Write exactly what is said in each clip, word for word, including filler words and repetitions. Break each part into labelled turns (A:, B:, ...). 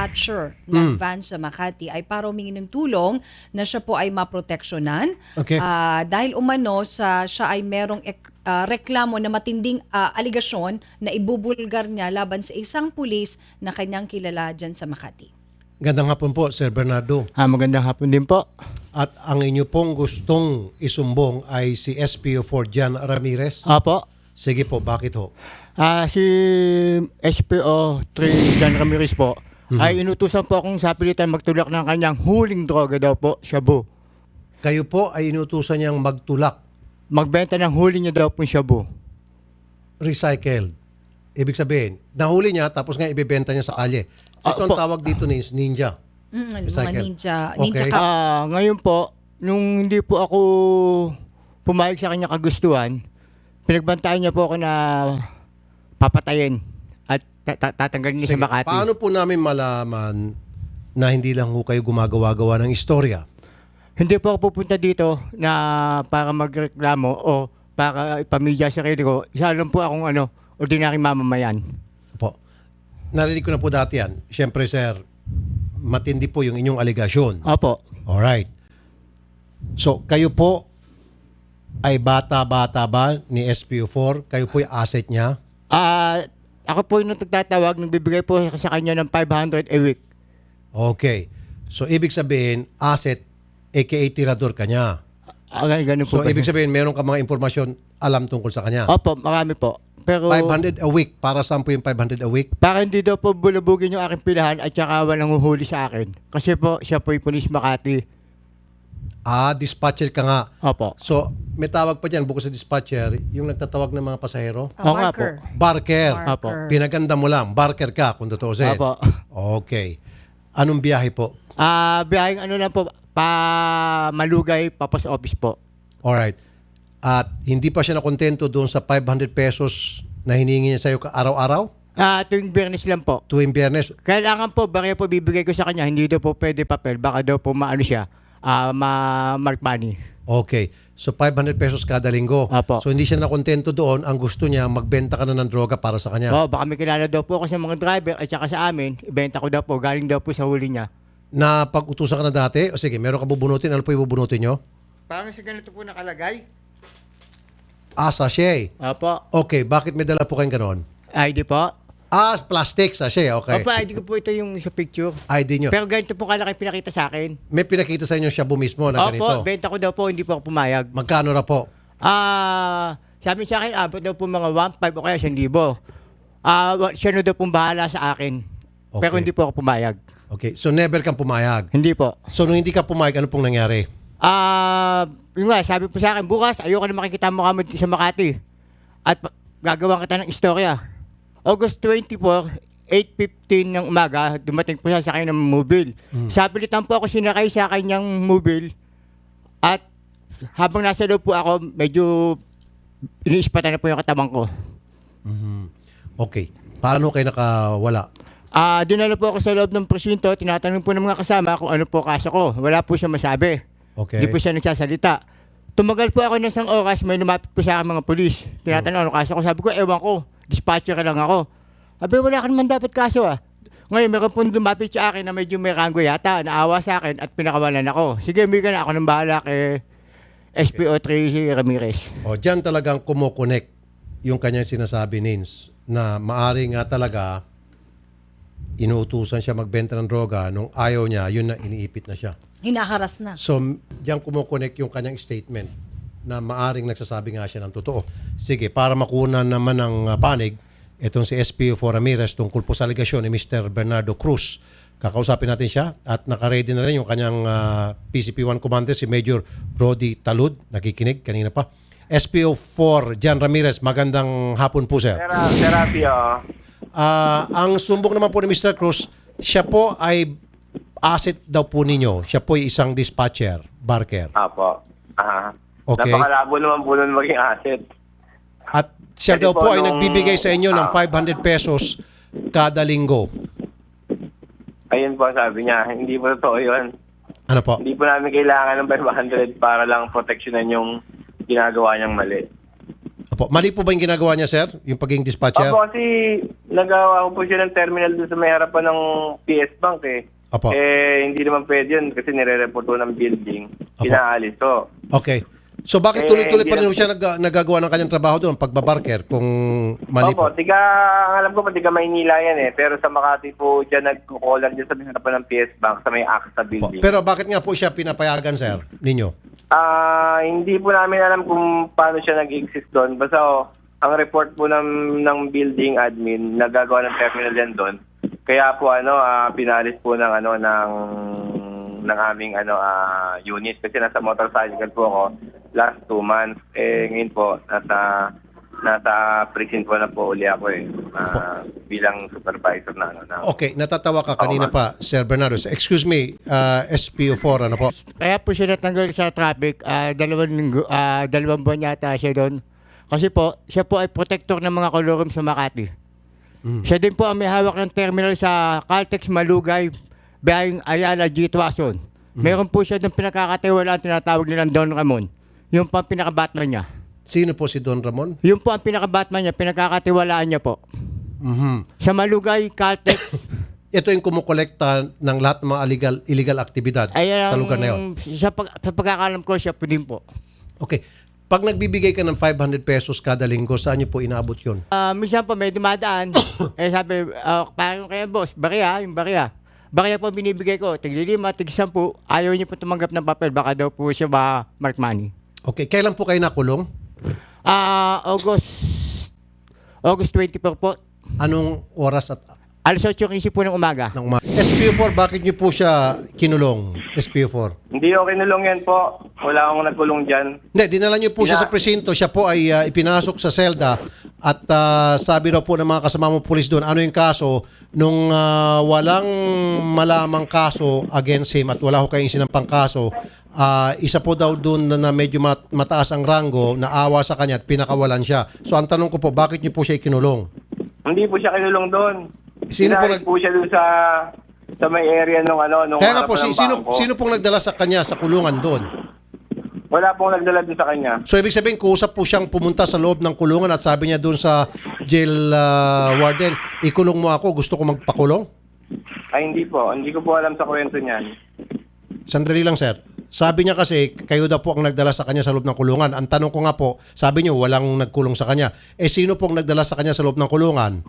A: dispatcher ng
B: Mm.
A: van sa Makati ay para humingi ng tulong na siya po ay maproteksyonan.
B: Okay.
A: Ah, dahil umano sa siya ay merong ek- ah, reklamo na matinding ah, aligasyon na ibubulgar niya laban sa isang pulis na kanyang kilala dyan sa Makati.
B: Gandang hapon po, Sir Bernardo.
C: Ah, magandang hapon din po.
B: At ang inyo pong gustong isumbong ay si S P O four Jan Ramirez.
C: Apo.
B: Sige po, bakit ho?
C: Ah, si S P O three John Ramirez po ay inutusan po akong sapilitan magtulak ng kanyang huling droga daw po, shabu.
B: Kayo po ay inutusan niyang magtulak,
C: Magbenta ng huli niya daw po shabu.
B: recycled. Ibig sabihin, nahuli niya tapos nga ibebenta niya sa kalye. Ito
C: Ah,
B: ang
C: po.
B: tawag dito ni ninja.
A: Mm, ano, mga
B: Recycle.
A: ninja, ninja
B: Okay.
A: ka-
C: Ah, ngayon po, nung hindi po ako pumayag sa kanya kagustuhan, pinagbantaan niya po ako na papatayin at ta- ta- tatanggalin niya
B: Sige,
C: sa Makati.
B: paano po namin malaman na hindi lang ho kayo gumagawa-gawa ng istorya?
C: Hindi po ako pupunta dito na para magreklamo o para ipamilya sa sarili ko. Isa lang po akong ano, ordinary mamamayan.
B: Po. Narinig ko na po dati yan. Siyempre, sir, matindi po yung inyong aligasyon.
C: Opo.
B: Alright. So, kayo po ay bata-bata ba ni S P O four? Kayo po yung asset niya?
C: Ah, ako po yung nagtatawag, nagbibigay po sa kanya ng five hundred a week.
B: Okay. So, ibig sabihin, asset, aka tirador ka niya.
C: Ah, ganun po.
B: So, ibig sabihin, meron ka mga impormasyon alam tungkol sa kanya.
C: Opo, marami po. Pero
B: five hundred a week. Para saan po yung five hundred a week?
C: para hindi daw po bulabugin yung aking pilahan at saka walang huhuli sa akin. Kasi po, siya po yung Police Makati.
B: Ah, dispatcher ka nga.
C: Opo.
B: So, may tawag pa dyan, bukod sa dispatcher, yung nagtatawag ng mga pasahero?
A: Ah,
C: Oo nga
A: Barker.
B: Barker.
C: Opo.
B: Pinaganda mo lang. Barker ka, kung tutuusin.
C: Opo.
B: Okay. Anong biyahe po?
C: Ah, biyaheng ano lang po, pa Malugay, papos office po.
B: Alright. At hindi pa siya nakontento doon sa five hundred pesos na hiningi niya sa'yo araw-araw?
C: Ah, tuwing Biyernes lang po.
B: Tuwing biyernes?
C: Kailangan po, baka po bibigay ko sa kanya, hindi daw po pwede papel, baka daw po maano siya, ah, ma-mark money.
B: Okay. So, five hundred pesos kada linggo.
C: Apo.
B: So, hindi siya nakontento doon. Ang gusto niya, magbenta ka na ng droga para sa kanya.
C: Oh, baka may kilala daw po ako sa mga driver at saka sa amin, ibenta ko daw po, galing daw po sa huli niya.
B: Na pag-utusan ka na dati, o sige, meron ka bubunutin. Ano po yung bubunutin nyo?
C: Parang sa ganito po nakalagay.
B: Ah, sachet.
C: Opo.
B: Okay, bakit may dala po kayong ganon?
C: I D po.
B: Ah, plastic sachet. Okay.
C: Opo, I D ko po ito yung sa picture.
B: I D nyo.
C: Pero ganito po kalaki pinakita sa akin.
B: May pinakita sa inyo shabu mismo na ganito.
C: Opo, benta ko daw po, hindi po ako pumayag.
B: Magkano na po?
C: Ah, sabi sa akin, abot daw po mga one five o kaya one thousand. Ah, wa- siya na daw pong bahala sa akin. Pero
B: Okay.
C: hindi po ako pumayag.
B: Okay, so never kang pumayag.
C: Hindi po.
B: So nung hindi ka pumayag, ano pong nangyari?
C: Ah, yun nga, sabi po sa akin, bukas ayoko na makikita mo kami sa Makati. At pa- gagawa kita ng istorya. August twenty-fourth, eight fifteen ng umaga, dumating po siya sa akin ng mobile. Sapilitan po ako sinakay sa kanyang mobile. At habang nasa loob po ako, medyo iniispatan na po yung katawan ko.
B: Okay. Paano kayo nakawala?
C: Ah, dinala po ako sa loob ng presinto, tinatanong po ng mga kasama kung ano po kaso ko. Wala po siya masabi.
B: Okay.
C: Hindi po siya nagsasalita. Tumagal po ako ng isang oras, may lumapit po sa akin mga pulis. Tinatanong ano kaso ko. Sabi ko, ewan ko, dispatcher ka lang ako. Sabi, wala ka naman dapat kaso ah. Ngayon, meron po lumapit sa akin na medyo may ranggo yata, naawa sa akin at pinakawalan ako. Sige, may ka na ako ng bahala kay S P O three Ramirez.
B: O, dyan talagang kumokonek yung kanyang sinasabi, Nins, na maari nga talaga inuutusan siya magbenta ng droga. Nung ayaw niya, yun na iniipit na siya.
A: Hinaharas na.
B: So, diyan kumukonek yung kanyang statement na maaring nagsasabi nga siya ng totoo. Sige, para makunan naman ng uh, panig, itong si S P O four Ramirez tungkol po sa aligasyon ni Mister Bernardo Cruz. Kakausapin natin siya at nakaready na rin yung kanyang uh, P C P one commander, si Major Rody Talud. Nakikinig kanina pa. S P O four Jan Ramirez, magandang hapon po, sir.
D: Tera- Therapy, oh.
B: Ah, ang sumbong naman po ni Mister Cruz, siya po ay asset daw po ninyo. Siya po ay isang dispatcher, Barker.
D: Apo. Aha.
B: Okay.
D: Napakalabo naman po nun maging asset.
B: At siya
D: Kasi
B: daw po
D: po
B: ay
D: nung-
B: nagbibigay sa inyo ng
D: ah.
B: five hundred pesos kada linggo.
D: Ayun po sabi niya, hindi po totoo yun.
B: Ano po?
D: Hindi po namin kailangan ng five hundred para lang proteksyonan yung ginagawa niyang mali.
B: Opo. Mali po ba yung ginagawa niya, sir? Yung pagiging dispatcher?
D: Opo, kasi nagawa ko po siya ng terminal doon sa may harapan ng P S Bank eh.
B: Apo.
D: Eh, hindi naman pwede yun kasi nire-report po ng building.
B: Apo.
D: Pinaalis to.
B: Okay. So bakit
D: Eh,
B: tuloy-tuloy pa
D: hindi
B: rin
D: na-
B: siya nag- nagagawa ng kanyang trabaho doon, pagbabarker, kung mali
D: Opo,
B: po?
D: tiga, ang alam ko pa, tiga Maynila yan eh. Pero sa Makati po, dyan nagkukulan dyan sa may harapan ng P S Bank, sa may AXA
B: Po.
D: building.
B: Pero bakit nga po siya pinapayagan, sir, ninyo?
D: Ah, hindi po namin alam kung paano siya nag-exist doon. Basta oh, ang report po ng, ng building admin, nagagawa ng terminal yan doon. Kaya po ano, ah, pinalis po ng ano ng ng aming ano ah, unit kasi nasa motorcycle po ako last two months. Eh ngayon po nasa nasa prison po na po uli ako eh. Ah, bilang supervisor na ano na.
B: Okay, natatawa ka kanina pa, Sir Bernardo. So, excuse me, uh, S P O four, ano po?
C: Kaya po siya natanggal sa traffic, ah, dalawang, linggo, ah, dalawang buwan yata siya doon. Kasi po, siya po ay protector ng mga kolorum sa Makati. Siya din po ang may hawak ng terminal sa Caltex Malugay, biyaheng Ayala G. Tuason. Meron po siya doon pinakakatiwalaan tinatawag nilang Don Ramon. Yung po ang pinaka-batman niya.
B: Sino po si Don Ramon?
C: Yung po ang pinaka-batman niya, pinakakatiwalaan niya po.
B: Mhm.
C: Sa Malugay, Caltex,
B: Ito yung kumukolekta ng lahat ng mga illegal, illegal aktibidad
C: ay
B: sa
C: ang-
B: lugar na yun.
C: Sa, pag, sa pagkakalam ko, siya po din po.
B: Okay. Pag nagbibigay ka ng five hundred pesos kada linggo, saan niyo po inaabot yun?
C: Ah, minsan po may dumadaan. eh sabi, uh, parang kaya boss, bariya, yung bariya. Bariya po binibigay ko, tiglilima, tig-sampu. Ayaw niyo po tumanggap ng papel, baka daw po siya ma-mark money.
B: Okay. Kailan po kayo nakulong?
C: Ah, August, August twenty-four po.
B: Anong oras at
C: Alas otso quince po ng umaga.
B: ng umaga? S P O four, bakit niyo po siya kinulong? S P O four.
D: Hindi ako kinulong yan po. Wala akong nagkulong dyan.
B: Hindi, dinala niyo po siya sa
D: Ina-
B: presinto. Siya po ay ah, ipinasok sa selda at ah, sabi daw po ng mga kasama mo pulis doon, ano yung kaso nung ah, walang malamang kaso against him at wala ko kayong sinampang kaso, ah, isa po daw doon na, na medyo mat- mataas ang rango, naawa sa kanya at pinakawalan siya. So ang tanong ko po, bakit niyo po siya ikinulong?
D: Hindi po siya kinulong doon.
B: Sino po
D: Pinalis
B: nag-
D: po siya doon sa sa may area nung ano nung
B: Kaya nga po,
D: harapan
B: si,
D: ng
B: sino,
D: bangko.
B: sino pong nagdala sa kanya sa kulungan doon?
D: Wala pong nagdala doon sa kanya.
B: So ibig sabihin, kuusap po siyang pumunta sa loob ng kulungan at sabi niya doon sa jail ah, warden, ikulong mo ako, gusto ko magpakulong?
D: Ay hindi po. Hindi ko po alam sa kwento niyan.
B: Sandali lang, sir. Sabi niya kasi, kayo daw po ang nagdala sa kanya sa loob ng kulungan. Ang tanong ko nga po, sabi niyo, walang nagkulong sa kanya. Eh, sino pong nagdala sa kanya sa loob ng kulungan?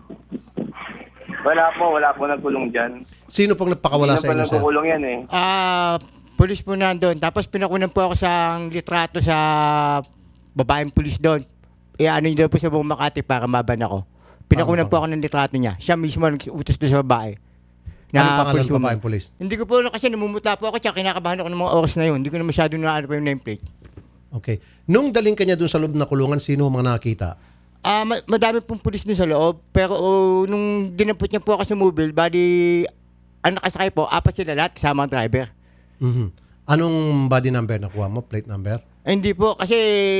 D: Wala po, wala po nagkulong dyan.
B: Sino pong nagpakawala
D: Hindi
B: sa
D: na
B: inyo,
D: pa
B: sir?
D: nagkukulong yan eh.
C: Ah, pulis po nandun. Tapos pinakunan po ako sa litrato sa babaeng pulis doon. E ano yun daw po sa buong Makati para maban ako. Pinakunan po ako ng litrato niya. Siya mismo ang utos doon sa babae.
B: Anong pangalan
C: police
B: ng
C: woman.
B: babaeng pulis?
C: Hindi ko po alam kasi namumuta po ako tsaka kinakabahan ako ng mga oras na yun. Hindi ko na masyado na ano pa yung nameplate.
B: Okay. Nung daling kanya doon sa loob ng kulungan, sino ang mga nakakita?
C: Ah, ma- madami pong pulis doon sa loob. Pero oh, nung dinampot niya po ako sa mobile, bali, ang nakasakay po, apat sila lahat kasama ang driver.
B: Mhm. Anong body number nakuha mo? Plate number?
C: Eh, hindi po, kasi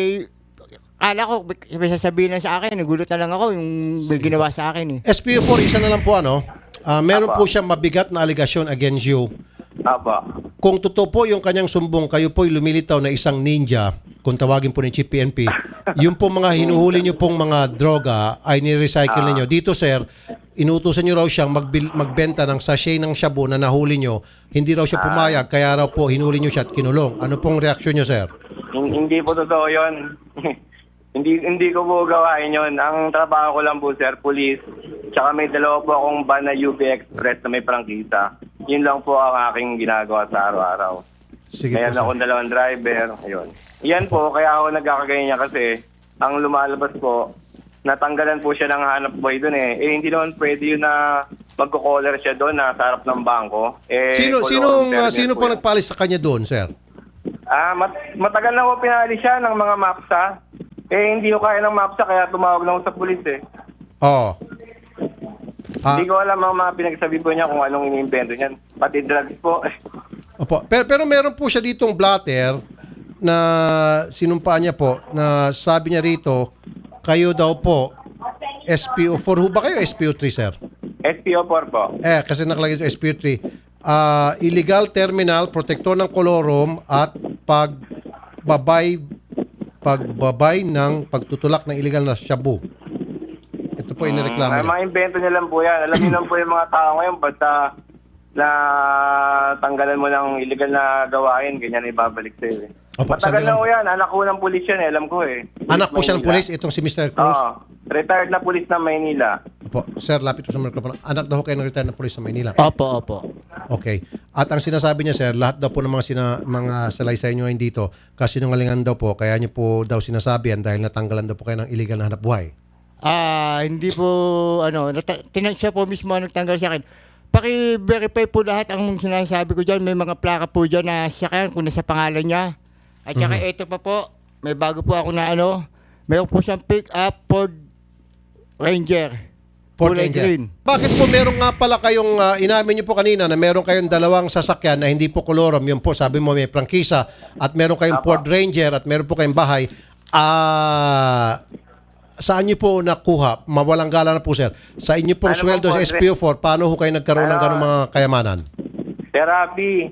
C: kala ko, may sasabihin lang sa akin, nagulat na lang ako yung may ginawa sa akin eh.
B: S P O four, isa na lang po ano. Ah, meron
D: Apa.
B: po siyang mabigat na allegation against you.
D: Aba.
B: Kung totoo po yung kanyang sumbong, kayo po'y lumilitaw na isang ninja, kung tawagin po ni Chief P N P, yung po mga hinuhuli nyo pong mga droga ay ni-recycle ninyo. Dito, sir, inutusan nyo raw siyang magbil- magbenta ng sachet ng shabu na nahuli nyo. Hindi raw siya pumayag, kaya raw po hinuli nyo siya at kinulong. Ano pong reaksyon nyo, sir?
D: Hin- Hindi po totoo yun. hindi hindi ko po gawain yun. Ang trabaho ko lang po, sir, police. Tsaka may dalawa po akong van na U B Express na may prangkisa. Yun lang po ang aking ginagawa sa araw-araw.
B: Sige
D: Kaya
B: po, sir.
D: akong dalawang driver. Ayun. Yan po, kaya ako nagkakagaya niya kasi ang lumalabas po, natanggalan po siya ng hanap buhay doon eh. Eh, hindi naman pwede yun na magko-caller siya doon na sa harap ng bangko. Eh,
B: Sino,
D: kulong
B: sinong, ah,
D: terminal
B: sino
D: po
B: po
D: yun.
B: nagpalis sa kanya doon, sir?
D: Ah, mat- matagal na ko pinali siya ng mga MAPSA. Eh, hindi ko kaya ng MAPSA kaya tumawag na ako sa pulis eh.
B: Oo. Ah,
D: Hindi ko alam ang mga pinagsabi po niya kung anong iniimbento niyan. Pati drugs po.
B: opo. Pero, pero meron po siya ditong blatter na sinumpa niya po na sabi niya rito, kayo daw po, S P O four. Ho ba kayo S P O three, sir?
D: S P O four po.
B: Eh, kasi nakalagay ito S P O three. Ah, illegal terminal, protektor ng kolorum at pagbabay pagbabay ng pagtutulak ng illegal na shabu. Ito Ito po inireklamo
D: Ay,
B: niya.
D: mga invento niya lang po yan. Alam niyo lang po yung mga tao ngayon, basta na tanggalan mo ng illegal na gawain, ganyan ibabalik sa'yo. Eh.
B: Opo,
D: Matagal
B: sandali
D: na
B: lang
D: po
B: po.
D: yan. Anak ko ng pulis yan, eh. Alam ko eh.
B: Anak po siya ng
D: Maynila.
B: pulis, itong si mister Cruz.
D: Oo. Retired na pulis ng Maynila.
B: Opo, sir, lapit po sa microphone. Anak daw ho kayo ng retired na pulis sa Maynila.
C: Opo, opo.
B: Okay. At ang sinasabi niya, sir, lahat daw po ng mga, sina, mga salaysay niyo ngayon dito, kasi nungalingan daw po, kaya niyo po daw sinasabihan dahil natanggalan daw po kayo ng illegal na hanap buhay.
C: Ah, hindi po, ano, nata- tinan siya po mismo ang nagtanggal sa akin. Paki-verify po lahat ang sinasabi ko dyan. May mga plaka po dyan na sasakyan kung nasa pangalan niya. At saka ito pa po, may bago po ako na ano, mayroon po siyang pick-up Ford Ranger.
B: Ford
C: Kulay
B: Ranger.
C: green.
B: Bakit po meron nga pala kayong, ah, inamin niyo po kanina na meron kayong dalawang sasakyan na hindi po kolorom, yun po, sabi mo may prangkisa, at meron kayong
D: Apo.
B: Ford Ranger at meron po kayong bahay, ah, saan niyo po nakuha? Mawalang gala na po, sir. Sa inyo pong
D: Ano
B: sweldo
D: pong
B: sa
D: Ford
B: S P O four, paano ho kayo nagkaroon ng
D: Ano?
B: ganong mga kayamanan?
D: Therapy.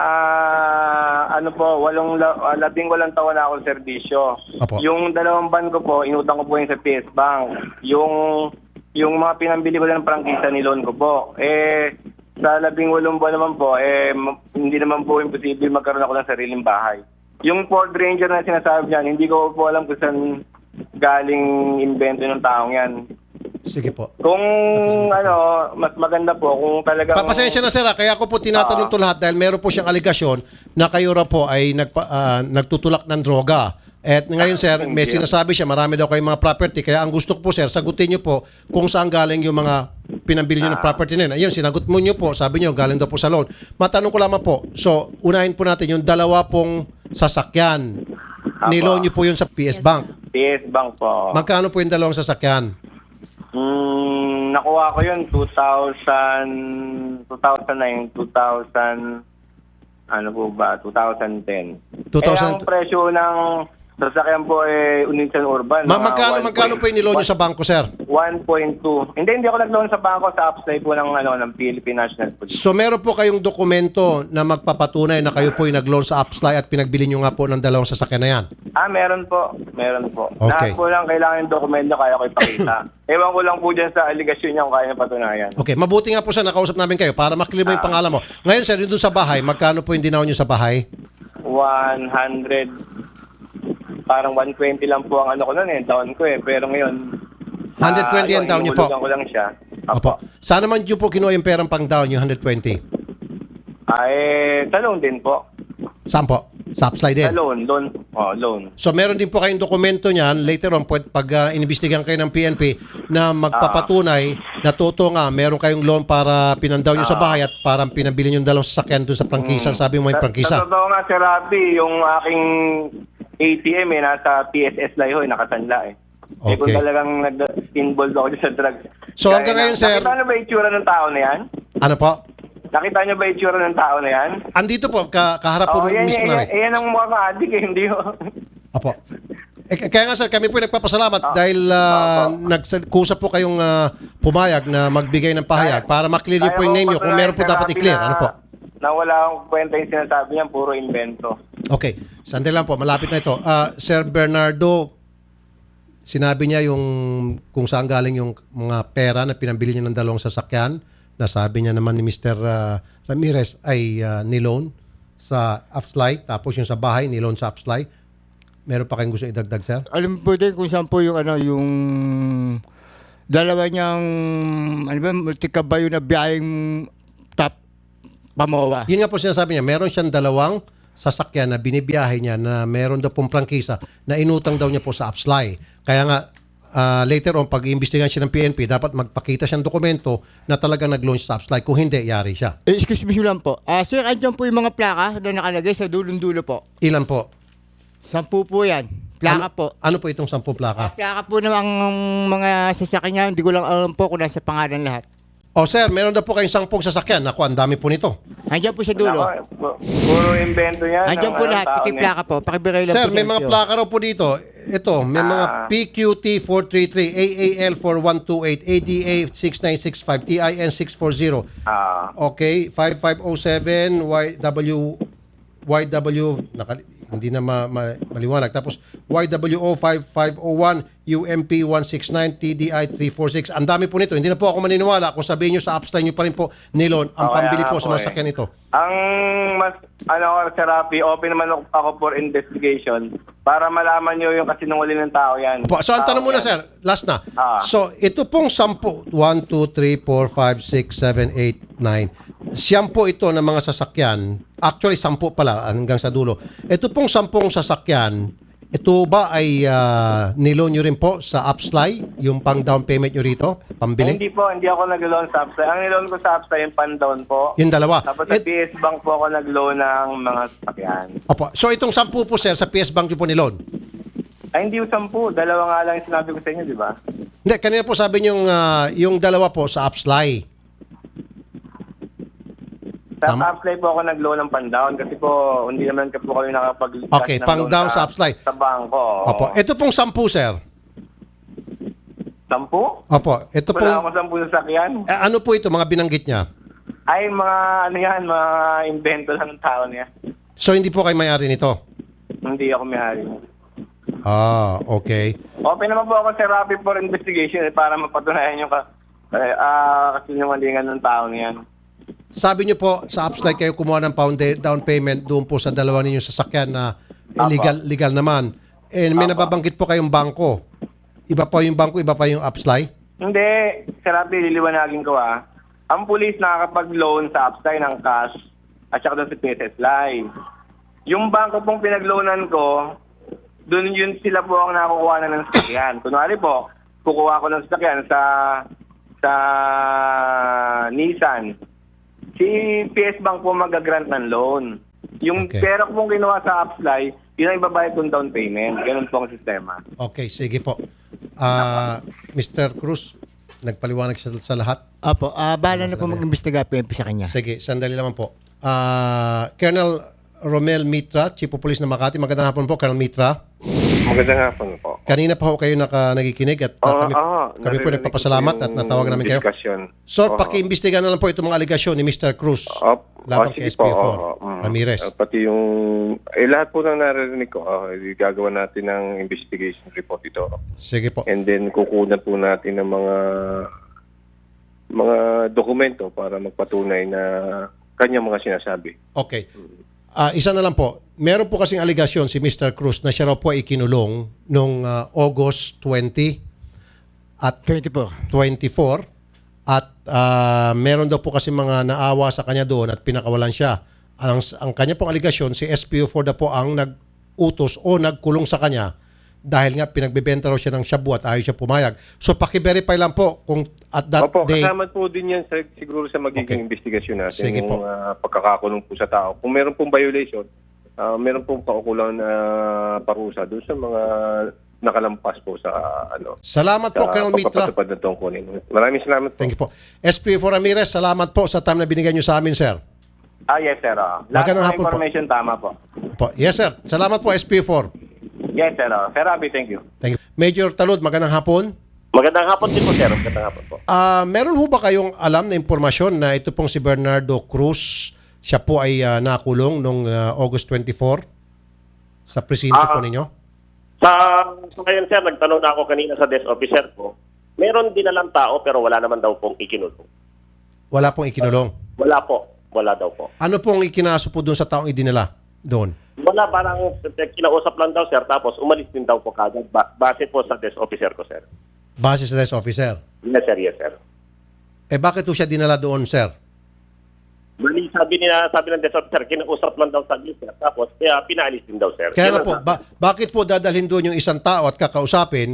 D: Ah, ano po, walong la- ah, labing walang taon na akong serbisyo.
B: Apo.
D: Yung dalawang ban ko po, inutang ko po yung sa P S Bank. Yung yung mga pinambili ko ng prangkisa ni loan ko po. Eh sa labing walong buwan naman po, eh m- hindi naman po imposible magkaroon ako ng sariling bahay. Yung Ford Ranger na sinasabi niyan, hindi ko po alam kung saan galing invento ng taong yan.
B: Sige po.
D: Kung ano, mas maganda po kung talagang...
B: Papasensya na, sir, ah. Kaya ako po tinatanong
D: Ah.
B: to lahat dahil meron po siyang aligasyon na kayo raw po ay nagpa, ah, nagtutulak ng droga. At ngayon, sir, may
D: Hindi.
B: sinasabi siya, marami daw kayong mga property. Kaya ang gusto ko po, sir, sagutin niyo po kung saan galing yung mga pinambili niyo ng property na yun. Ayun, sinagot mo niyo po, sabi niyo, galing daw po sa loan. Matanong ko lamang po, so, unahin po natin yung dalawa pong sasakyan. Niloan niyo po yun sa P S Bank.
D: P S Bank po.
B: Magkano po yung dalawang sasakyan?
D: Mm, nakuha ko yun two thousand, two thousand nine, two thousand, ano po ba, two thousand ten.
B: two
D: Eh,
B: thousand
D: ang presyo ng sasakyan po eh, Unison Urban.
B: Ma-
D: mga
B: magkano,
D: one
B: magkano
D: point-
B: po yung niloan niyo sa bangko, sir?
D: one point two. Hindi, hindi ako nag-loan sa bangko sa upside po ng, ano, ng Philippine National Police.
B: So meron po kayong dokumento na magpapatunay na kayo po ay nag-loan sa Upsly at pinagbili nyo nga po ng dalawang sasakyan na yan.
D: Ah, meron po. Meron po.
B: Okay.
D: Lahat po lang kailangan yung dokumento kaya ko ipakita. Ewan ko lang po dyan sa aligasyon niya kung kaya niya patunayan.
B: Okay, mabuti nga po sir, nakausap namin kayo para maklear mo yung pangalan mo. Ngayon sir, yung doon sa bahay, magkano po yung dinaw nyo sa bahay?
D: one hundred, parang one twenty lang po ang ano ko nun eh, down ko eh. Pero ngayon,
B: one twenty
D: ah,
B: ang down niyo po?
D: inuhulugan ko lang siya.
B: Opo. Saan naman nyo po kinuha yung perang pang down, yung one twenty?
D: Ay, sa loan din po.
B: Saan po? Sa Upsly din?
D: Sa loan, loan. Oh, loan.
B: So meron din po kayong dokumento niyan, later on, pwede, pag uh, inimbestigan kayo ng P N P, na magpapatunay na totoo nga, meron kayong loan para pinandaw nyo sa bahay at parang pinabili nyo yung dalawang sasakyan doon sa prangkisa. Sabi mo yung
D: Sa, sa
B: prangkisa.
D: totoo nga, Sir Rafi, yung aking A T M eh, nasa P S S Liho eh, nakasanla eh. Eh kung
B: Okay.
D: talagang nag-involved ako dyan sa drugs.
B: So,
D: Kaya
B: hanggang
D: na-
B: ngayon, sir-
D: Nakita niyo ba yung itsura ng tao na yan?
B: Ano po?
D: Nakita niyo ba yung itsura ng tao na yan?
B: Andito po, ka kaharap po
D: Oo, yan,
B: mismo
D: yan,
B: namin.
D: yan, yan ang mukhang adik eh, hindi ko.
B: Apo. Eh, k- kaya nga sir, kami po nagpapasalamat dahil uh, nagkusa po kayong ah, pumayag na magbigay ng pahayag para maklear niyo po yung name niyo kung meron po dapat i-clear. Ano po?
D: Na wala akong kwenta yung sinasabi niyan, puro invento.
B: Okay. Sandali lang po, malapit na ito. Ah, Sir Bernardo, sinabi niya yung kung saan galing yung mga pera na pinambili niya ng dalawang sasakyan. Nasabi niya naman ni Mister ah, Ramirez ay ah, niloan sa Upsly. Tapos yung sa bahay, niloan sa Upsly. Meron pa kayong gusto idagdag, sir?
C: Alam mo po din kung saan po yung ano, yung dalawa niyang, ano ba, multikabayo na biyaheng top pamowa.
B: Yun nga po sinasabi niya, meron siyang dalawang sasakyan na binibiyahe niya na meron daw pong prangkisa na inutang daw niya po sa Upsly. Kaya nga, ah, later on, pag iimbestigahan siya ng P N P, dapat magpakita siyang dokumento na talagang nag-launch sa Upsly. Kung hindi, yari siya.
C: Eh, excuse me lang po. Ah, sir, andyan po yung mga plaka na nakalagay sa dulong-dulo po.
B: Ilan po?
C: Sampu po yan. Plaka
B: ano,
C: po.
B: Ano po itong sampu plaka?
C: Plaka po ng mga sasakyan niya. Hindi ko lang alam po kung nasa pangalan lahat.
B: O sir, meron daw po kayong sampung sasakyan. Naku, ang dami po nito.
C: Andyan po sa dulo.
D: Nako, pu- puro invento yan.
C: Andyan
D: ng
C: po
D: anong
C: lahat.
D: tao
C: Pati
D: niya.
C: plaka po. Pakibiray lang
B: Sir,
C: po
B: may
C: sa
B: mga
C: inyo.
B: plaka raw po dito. Ito, may mga
D: Ah.
B: P Q T four three three, A A L four one two eight, A D A six nine six five, T I N six four zero.
D: Ah,
B: Okay, five five oh seven, Y W, Y W, nakali- hindi na ma, ma- maliwanag. Tapos Y W O five five oh one, U M P one sixty-nine, T D I three forty-six. Ang dami po nito. Hindi na po ako maniniwala kung sabihin nyo sa upstyle nyo pa rin po nilon ang
D: Okay,
B: pambili
D: nga
B: po sa
D: po
B: mga
D: eh.
B: sakyan ito.
D: Ang mas, ano, Sir Rafi, open naman ako- ako for investigation para malaman nyo yung kasinungaling ng tao yan.
B: Opo, so ang
D: Tao
B: tanong muna
D: yan.
B: sir, last na.
D: Ah.
B: So ito pong sampu, one, two, three, four, five, six, seven, eight, nine. Siyam po ito ng mga sasakyan. Actually, sampu pala hanggang sa dulo. Ito pong sampung sasakyan, ito ba ay uh, nilon nyo rin po sa Upsly, yung pang down payment nyo rito,
D: Eh,
B: pambili?
D: hindi po, hindi ako nag-loan sa Upside. Ang niloan ko sa Upside yung pan-down po.
B: Yung dalawa.
D: Tapos sa
B: Et-
D: P S Bank po ako nag-loan ng mga sasakyan.
B: Opo. So itong sampu po sir, sa P S Bank nyo po nilon?
D: Ay, hindi yung sampu. Dalawa nga lang yung sinabi ko sa inyo, di ba?
B: Hindi, kanina po sabi nyo yung, ah, yung dalawa po sa Upsly.
D: Sa
B: Tama.
D: Upside po ako nag-loan ng pan-down kasi po hindi naman ka po kami nakapag
B: Okay,
D: ng
B: pang-down
D: loan
B: sa Upside.
D: Sa bangko.
B: Opo. Ito pong sampu sir.
D: Sampu?
B: Opo. Ito pong,
D: Wala akong sampu sa sakyan.
B: eh, ano po ito, mga binanggit niya?
D: Ay, mga ano yan, mga invento lang ng tao niya.
B: So hindi po kayo may-ari nito?
D: Hindi ako may-ari.
B: Ah, okay.
D: Open naman po ako sa Rapid for investigation eh, para mapatunayan yung ka, eh, ah, kasinungalingan ng tao niyan.
B: Sabi niyo po sa Upsly kayo kumuha ng pound down payment doon po sa dalawa ninyong sasakyan na eh, legal legal naman. And may nababanggit po kayong bangko. Iba pa yung bangko, iba pa yung Upsly?
D: Hindi, sa Rapid, liliwanagin ko ah. Ang pulis nakakapag-loan sa Upside ng cash at saka doon sa P S S Live. Yung bangko pong pinag-loanan ko, doon yun sila po ang nakukuha na ng sasakyan. Kunwari po, kukuha ko ng sasakyan sa sa Nissan. Si P S Bank po mag-grant ng loan. Yung
B: Okay.
D: pera ko pong kinuha sa Upsly, yun ang ibabayad kong down payment. Ganun po ang sistema.
B: Okay, sige po. Ah, Mister Cruz, nagpaliwanag siya sa lahat.
C: Opo, ah bahala na po mag-imbestiga P N P sa kanya.
B: Sige, sandali naman po. Ah, Colonel Romel Mitra, Chief of Police ng Makati. Magandang hapon po, Colonel Mitra.
E: Magandang hapon po.
B: Kanina pa ho kayo naka, nagikinig at uh,
E: Oo,
B: kami,
E: oo.
B: kami po
E: Naririnig
B: nagpapasalamat
E: ko
B: at
E: yung
B: natawagan namin kayo.
E: discussion.
B: So,
E: Oo.
B: paki-imbestiga na lang po itong mga aligasyon ni Mister Cruz
E: Op,
B: laban
E: oh,
B: kay
E: sige
B: S P
E: po,
B: four
E: oo, mm.
B: Ramirez.
E: Uh, pati yung, eh lahat po ng naririnig ko, uh, gagawa natin ng investigation report ito.
B: Sige po.
E: And then kukunan po natin ng mga mga dokumento para magpatunay na kanyang mga sinasabi.
B: Okay. Ah, isa na lang po. Meron po kasing aligasyon si Mister Cruz na siya raw po ay ikinulong noong ah, August twentieth at
C: twenty-four.
B: twenty-four at ah, meron daw po kasi mga naawa sa kanya doon at pinakawalan siya. Ang, ang kanya pong aligasyon, si S P O four na po ang nag-utos o nagkulong sa kanya dahil nga pinagbebenta raw siya ng shabu at ayaw siya pumayag. So paki-verify lang po kung at that
E: Opo,
B: day...
E: kasama po din yan sa, siguro sa magiging
B: Okay.
E: investigasyon natin.
B: Sige po.
E: Yung ah, pagkakakulong po sa tao. Kung meron pong violation, ah, meron pong paukulang na parusa doon sa mga nakalampas po sa ano.
B: Salamat po,
E: sa
B: Colonel Mitra.
E: pagpapatupad ng tungkulin. Maraming salamat po.
B: Thank you po. S P O four Ramirez, salamat po sa time na binigyan nyo sa amin, sir.
D: Ah, yes, sir. Oh. Lahat
B: Magandang
D: ng
B: hapon po.
D: information tama po.
B: Po. Yes, sir. Salamat po, S P O four.
D: Yes, sir. Oh. Sir Rafi, thank you.
B: Thank you. Major Talud, magandang hapon.
F: Magandang hapon din po, sir. Magandang hapon po.
B: Ah, meron ho ba kayong alam na impormasyon na ito pong si Bernardo Cruz, siya po ay ah, nakulong noong ah, August twenty-fourth sa presinto
F: Ah.
B: po ninyo?
F: Sa, sa ngayon, sir, nagtanong na ako kanina sa desk officer ko. Meron din nalang tao pero wala naman daw pong ikinulong.
B: Wala pong ikinulong.
F: Wala po. Wala daw po.
B: Ano pong ikinaso po doon sa taong idinala doon?
F: Wala, parang kinausap lang daw, sir. Tapos umalis din daw po kagad. Ba- base po sa desk officer ko, sir.
B: Base sa desk officer.
F: Yes, sir. Yes, sir.
B: Eh bakit po siya dinala doon, sir?
F: Bali, sabi niya, sabi ng desk officer, kinausap lang daw sa sir. Tapos, kaya pinaalis din daw, sir.
B: Kaya
F: Yan
B: nga
F: ang
B: po,
F: sabi.
B: ba- bakit po dadalhin doon yung isang tao at kakausapin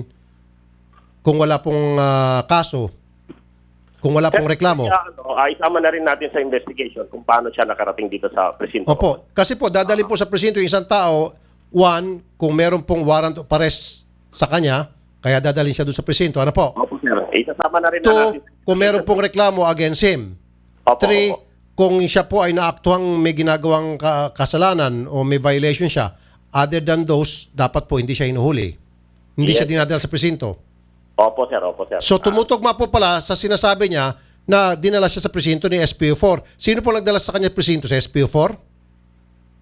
B: kung wala pong ah, kaso, kung wala pong reklamo?
F: Kaya, ano, ah, isama na rin natin sa investigation kung paano siya nakarating dito sa presinto.
B: Opo. Kasi po, dadalhin po sa presinto yung isang tao, one, kung meron pong warrant of arrest sa kanya, kaya dadalhin siya doon sa presinto. Ano po?
F: Opo, sir. Isasama na rin na
B: Two,
F: natin.
B: kung meron pong reklamo against him.
F: Opo,
B: Three,
F: opo.
B: kung siya po ay naaktuhang may ginagawang ka- kasalanan o may violation siya, other than those, dapat po hindi siya hinuhuli. Hindi
F: Yes.
B: siya dinadala sa presinto.
F: Opo, sir. Opo, sir.
B: So tumutugma po pala sa sinasabi niya na dinala siya sa presinto ni S P O four. Sino po nagdala sa kanya presinto? Sa S P O four?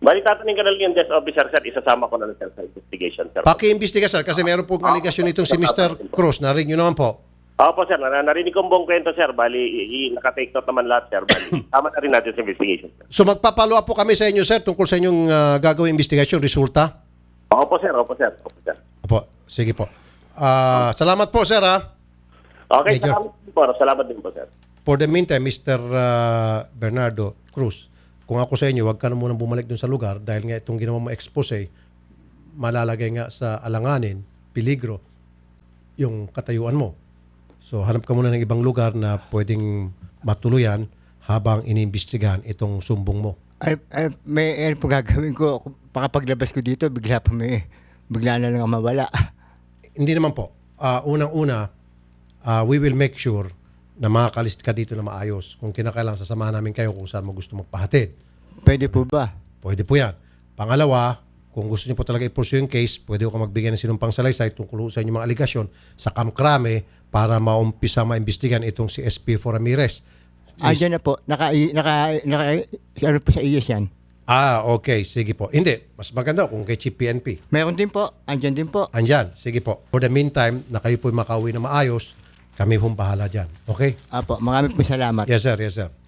F: Bali, tatanungin ka na lang yung desk officer, sir. Isasama ko na lang, sir, sa investigation, sir.
B: Paki-imbestiga, sir, kasi meron pong aligasyon itong si mister Cruz. Narinig nyo naman po.
F: Opo, sir. Na- narinig ko ang buong kwento, sir. Bali, i- i- nakatake note naman lahat, sir. Bali, tama na rin natin sa investigation, sir.
B: So magpapalo up po kami sa inyo, sir, tungkol sa inyong uh, gagawing investigasyon, resulta.
F: Opo, sir. Opo, sir. Opo, sir.
B: Opo, sige po. Ah, salamat po, sir, ha?
F: Okay,
B: Major.
F: salamat din po. Salamat din po, sir.
B: For the meantime, mister uh, Bernardo Cruz, kung ako sa inyo, huwag ka na munang bumalik dun sa lugar dahil nga itong ginawa mo expose, malalagay nga sa alanganin, peligro, yung katayuan mo. So hanap ka muna ng ibang lugar na pwedeng matuluyan habang iniimbestigahan itong sumbong mo.
C: Ay, ay, may ano po gagawin ko. Kung Pakapaglabas ko dito, bigla pa may, bigla na lang mawala.
B: Hindi naman po. Ah, unang-una, ah, we will make sure na makakalist ka dito na maayos. Kung kinakailangan, sasamahan namin kayo kung saan mo gusto magpahatid.
C: Pwede po ba?
B: Pwede po yan. Pangalawa, kung gusto niyo po talaga i-pursue yung case, pwede ko magbigay ng sinumpang salaysay tungkol sa inyong mga aligasyon sa kamkrame para maumpisa maimbestigan itong si S P for Ramirez.
C: Andiyan na po. Naka, naka, naka, ano po sa I A S yan?
B: Ah, okay. Sige po. Hindi. Mas maganda kung kay Chief P N P.
C: Meron din po. Andiyan din po.
B: Andyan. Sige po. For the meantime, na kayo po'y makauwi na maayos, kami hong bahala dyan. Okay?
C: Apo, marami po salamat.
B: Yes, sir. Yes, sir.